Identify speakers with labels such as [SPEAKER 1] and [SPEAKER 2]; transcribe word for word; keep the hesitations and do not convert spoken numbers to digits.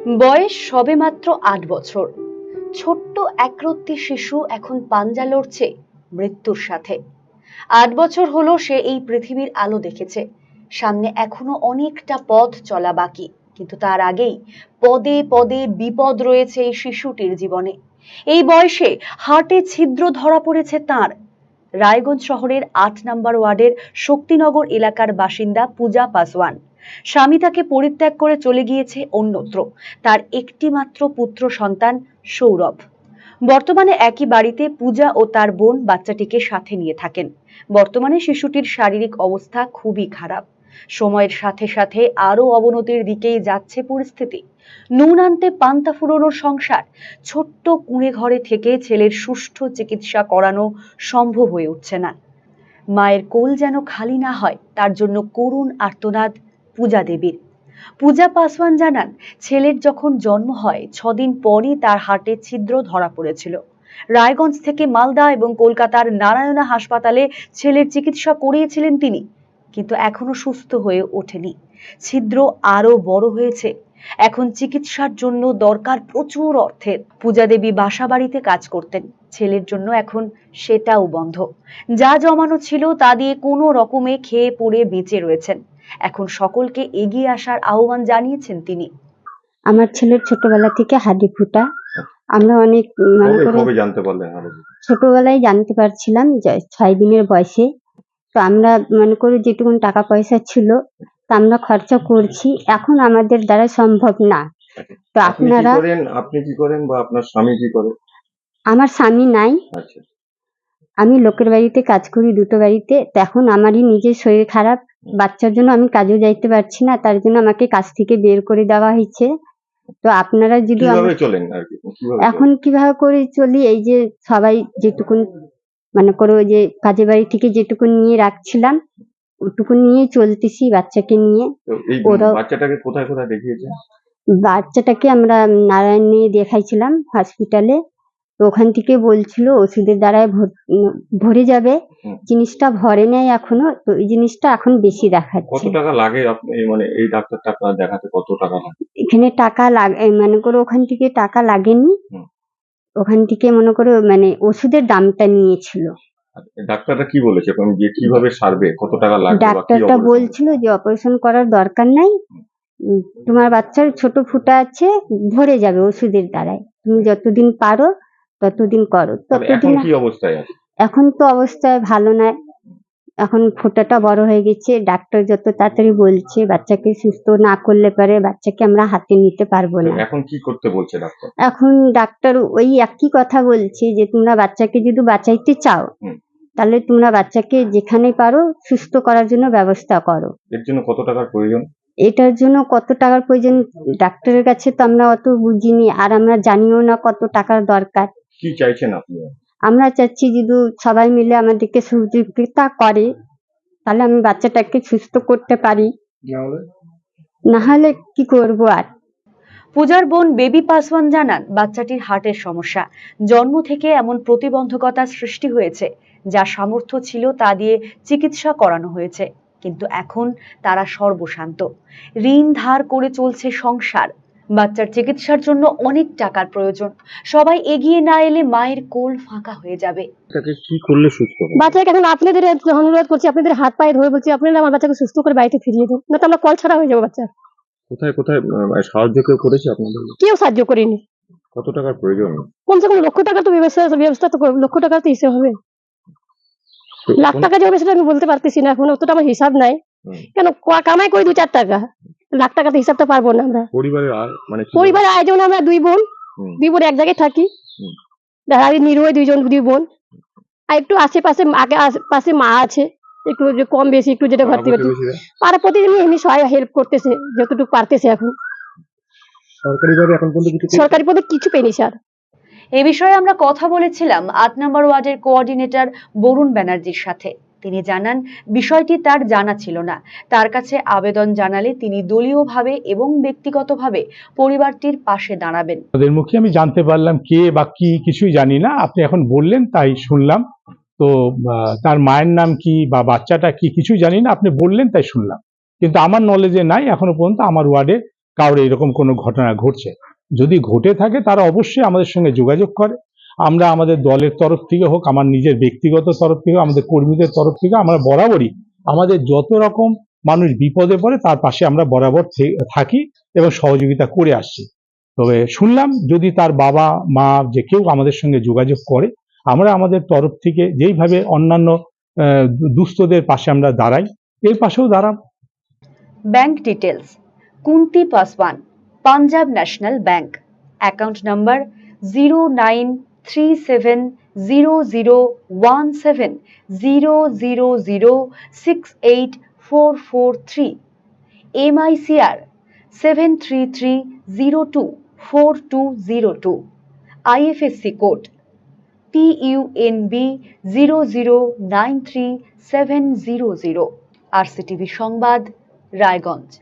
[SPEAKER 1] বয়স সবেমাত্র আট বছর। ছোট্ট একরত্তি শিশু এখন পাঞ্জা লড়ছে মৃত্যুর সাথে। আট বছর হলো সে এই পৃথিবীর আলো দেখেছে। সামনে এখনো অনেকটা পথ চলা বাকি, কিন্তু তার আগেই পদে পদে বিপদ রয়েছে এই শিশুটির জীবনে। এই বয়সে হার্টে ছিদ্র ধরা পড়েছে তার। রায়গঞ্জ শহরের আট নম্বর ওয়ার্ডের শক্তিনগর এলাকার বাসিন্দা পূজা পাসওয়ান। স্বামী তাকে পরিত্যাগ করে চলে গিয়েছে অন্যত্র। তার একটি মাত্র পুত্র সন্তান সৌরভ। বর্তমানে একই বাড়িতে পূজা ও তার বোন বাচ্চাটিকে সাথে নিয়ে থাকেন। বর্তমানে শিশুটির শারীরিক অবস্থা খুবই খারাপ। সময়ের সাথে সাথে আরো অবনতির দিকেই যাচ্ছে পরিস্থিতি। নুন আনতে পান্তা ফুরোনোর সংসার। ছোট্ট কুঁড়ে ঘরে থেকে ছেলের সুষ্ঠু চিকিৎসা করানো সম্ভব হয়ে উঠছে না। মায়ের কোল যেন খালি না হয়, তার জন্য করুণ আর্তনাদ পূজা দেবীর। পূজা পাসওয়ান জানান, ছেলের যখন জন্ম হয় ছদিন পরই তার হার্টে ছিদ্র ধরা পড়েছিল। রায়গঞ্জ থেকে মালদা এবং কলকাতার নারায়ণা হাসপাতালে ছেলের চিকিৎসা করিয়েছিলেন তিনি, কিন্তু এখনো সুস্থ হয়ে ওঠেনি। ছিদ্র আরো বড় হয়েছে। এখন চিকিৎসার জন্য দরকার প্রচুর অর্থের। পূজা দেবী বাসা বাড়িতে কাজ করতেন, ছেলের জন্য এখন সেটাও বন্ধ। যা জমানো ছিল তা দিয়ে কোনো রকমে খেয়ে পড়ে বেঁচে রয়েছেন। এখন সকলকে এগিয়ে আসার আহ্বান জানিয়েছেন তিনি।
[SPEAKER 2] আমার ছেলের ছোটবেলা থেকে হাড্ডি ফুটা। আমরা অনেক মনে করে
[SPEAKER 3] জানতে পারলেন?
[SPEAKER 2] ছোটবেলায় জানতে পারছিলাম যে ছয় দিনের বয়সে। তো আমরা মনে করি যেটুকুন টাকা পয়সা ছিল তা আমরা খরচা করছি, এখন আমাদের দ্বারা সম্ভব না। তো আপনারা,
[SPEAKER 3] আপনি কি করেন বা আপনার স্বামী কি করে?
[SPEAKER 2] আমার স্বামী নাই, আমি লোকের বাড়িতে কাজ করি দুটো বাড়িতে। তো এখন আমারই নিজের শরীর খারাপ, বাচ্চার জন্য আমি কাজেও যাইতে পারছি না, তার জন্য আমাকে কাজ থেকে বের করে দেওয়া হয়েছে। তো আপনারা যদি এখন কিভাবে করে চলি, এই যে সবাই যেটুকুন মনে করো যে কাজে বাড়ি থেকে যেটুকু নিয়ে রাখছিলাম ওটুকু নিয়ে চলতেছি বাচ্চাকে নিয়ে।
[SPEAKER 3] ওরা বাচ্চাটাকে কোথায় কোথায় দেখিয়েছে?
[SPEAKER 2] বাচ্চাটাকে আমরা নারায়ণে দেখাইছিলাম হসপিটালে। তো ওখান থেকে বলছিল ওষুধের দ্বারাই ভরে যাবে, জিনিসটা ভরে নেয় এখনো। তো এই জিনিসটা এখন বেশি দেখাচ্ছে।
[SPEAKER 3] কত টাকা লাগে মানে এই ডাক্তারটা আপনার দেখাতে? কত টাকা লাগে
[SPEAKER 2] এখানে? টাকা লাগে মনে করো ওখান থেকে টাকা লাগেনি, ওখান থেকে মনে করো মানে ওষুধের দামটা নিয়েছিল।
[SPEAKER 3] ডাক্তারটা কি বলেছে যে কিভাবে সারবে, কত টাকা লাগবে?
[SPEAKER 2] ডাক্তারটা বলছিল যে অপারেশন করার দরকার নাই, তোমার বাচ্চার ছোট ফুটা আছে, ভরে যাবে ওষুধের দ্বারাই, তুমি যতদিন পারো ততদিন করো। ততদিন
[SPEAKER 3] কি অবস্থায় আছে?
[SPEAKER 2] এখন তো অবস্থায় ভালো নয়, এখন ফোঁটাটা বড় হয়ে গেছে। ডাক্তার যত তাড়াতাড়ি বলছে বাচ্চাকে সুস্থ না করলে পারে বাচ্চাকে আমরা হাতে নিতে পারবো না।
[SPEAKER 3] এখন কি করতে বলছে ডাক্তার?
[SPEAKER 2] এখন ডাক্তার ওই একই কথা বলছে যে তোমরা বাচ্চাকে যদি বাঁচাইতে চাও তাহলে তোমরা বাচ্চাকে যেখানে পারো সুস্থ করার জন্য ব্যবস্থা করো।
[SPEAKER 3] এর জন্য কত টাকার প্রয়োজন?
[SPEAKER 2] এটার জন্য কত টাকার প্রয়োজন ডাক্তারের কাছে তো আমরা অত বুঝিনি, আর আমরা জানিও না কত টাকার দরকার।
[SPEAKER 3] কি চাইছেন আপনি?
[SPEAKER 2] আমরা চাচ্ছি যদি সবাই মিলে আমাদেরকে সহযোগিতা করে তাহলে আমি বাচ্চাটাকে সুস্থ করতে পারি, না হলে কি করবো আর।
[SPEAKER 1] পূজার বোন বেবি পাসওয়ান জানান, বাচ্চাটির হার্টের সমস্যা। জন্ম থেকে এমন প্রতিবন্ধকতা সৃষ্টি হয়েছে, যা সামর্থ্য ছিল তা দিয়ে চিকিৎসা করানো হয়েছে, কিন্তু এখন তারা সর্বশান্ত। ঋণ ধার করে চলছে সংসার। বাচ্চার চিকিৎসার জন্য অনেক টাকার প্রয়োজন। সবাই এগিয়ে না এলে মায়ের কোল ফাঁকা হয়ে যাবে।
[SPEAKER 3] কি করলে সুস্থ হবে?
[SPEAKER 4] বাচ্চাকে এখন আপনাদের অনুরোধ করছি, আপনাদের হাত পায়ে ধরে বলছি আপনারা আমার বাচ্চাকে সুস্থ করে বাড়িতে ফিরিয়ে দিন, না তো আমরা কল ছাড়া হয়ে যাবো। বাচ্চা
[SPEAKER 3] কোথায় কোথায় সাহায্য কেউ করেছে আপনাদের?
[SPEAKER 4] কেউ সাহায্য করেনি।
[SPEAKER 3] কত টাকার প্রয়োজন?
[SPEAKER 4] কমসে কম লক্ষ টাকা তো ব্যবস্থা ব্যবস্থা তো লক্ষ টাকা তো হিসেব হবে। লাখ টাকা যে হবে সেটা আমি বলতে পারতেছি না, এখন অতটা আমার হিসাব নাই। কেন কামাই করি দু চার টাকা, লাখ টাকা তো হিসাব তো পারবো না আমরা।
[SPEAKER 3] পরিবারের আয় মানে
[SPEAKER 4] পরিবারের আয় যেমন আমরা দুই বোন, দুই বোন এক জায়গায় থাকি, দেখা যায় নিরোয় দুইজন দুই বোন, আর একটু আশেপাশে আগে আশেপাশে মা আছে, একটু কম বেশি একটু যেটা ভর্তি করতে পারে প্রতিদিন এমনি সবাই হেল্প করতেছে যতটুকু পারতেছে। এখন
[SPEAKER 3] সরকারিভাবে এখন পর্যন্ত কিছু
[SPEAKER 4] সরকারি পদে কিছু পেনি স্যার।
[SPEAKER 1] এ বিষয়ে আমরা কথা বলেছিলাম আট নম্বর ওয়ার্ডের কোঅর্ডিনেটর বরুণ ব্যানার্জির সাথে। তিনি জানান, বিষয়টি তার জানা ছিল না। তার কাছে আবেদন জানালে তিনি দলীয়ভাবে এবং ব্যক্তিগতভাবে পরিবারটির পাশে দাঁড়াবেন।
[SPEAKER 5] তাদের মুখে আমি জানতে পারলাম কে বা কি কিছুই জানি না, আপনি এখন বললেন তাই শুনলাম। তো তার মায়ের নাম কি বা বাচ্চাটা কি কিছুই জানি না, আপনি বললেন তাই শুনলাম, কিন্তু আমার নলেজে নাই এখনো পর্যন্ত। আমার ওয়ার্ডে কারোর এরকম কোনো ঘটনা ঘটছে। যদি ঘটে থাকে তারা অবশ্যই আমাদের সঙ্গে যোগাযোগ করে। আমরা আমাদের দলের তরফ থেকে হোক, আমার নিজের ব্যক্তিগত তরফ থেকে, আমাদের কর্মীদের তরফ থেকে আমরা বরাবরই আমাদের যত রকম মানুষ বিপদে পড়ে তার পাশে আমরা বরাবর থাকি এবং সহযোগিতা করে আসছি। তবে শুনলাম যদি তার বাবা মা যে কেউ আমাদের সঙ্গে যোগাযোগ করে, আমরা আমাদের তরফ থেকে যেইভাবে অন্যান্য দুস্থদের পাশে আমরা দাঁড়াই, এর পাশেও দাঁড়াব।
[SPEAKER 1] Bank details: Kunti Paswan, Punjab national bank, account number zero nine three seven zero zero one seven zero zero zero six eight four four three, MICR seven three three zero two four two zero two, IFSC code PUNB zero zero nine three seven zero zero. RCTV সংবাদ, রায়গঞ্জ।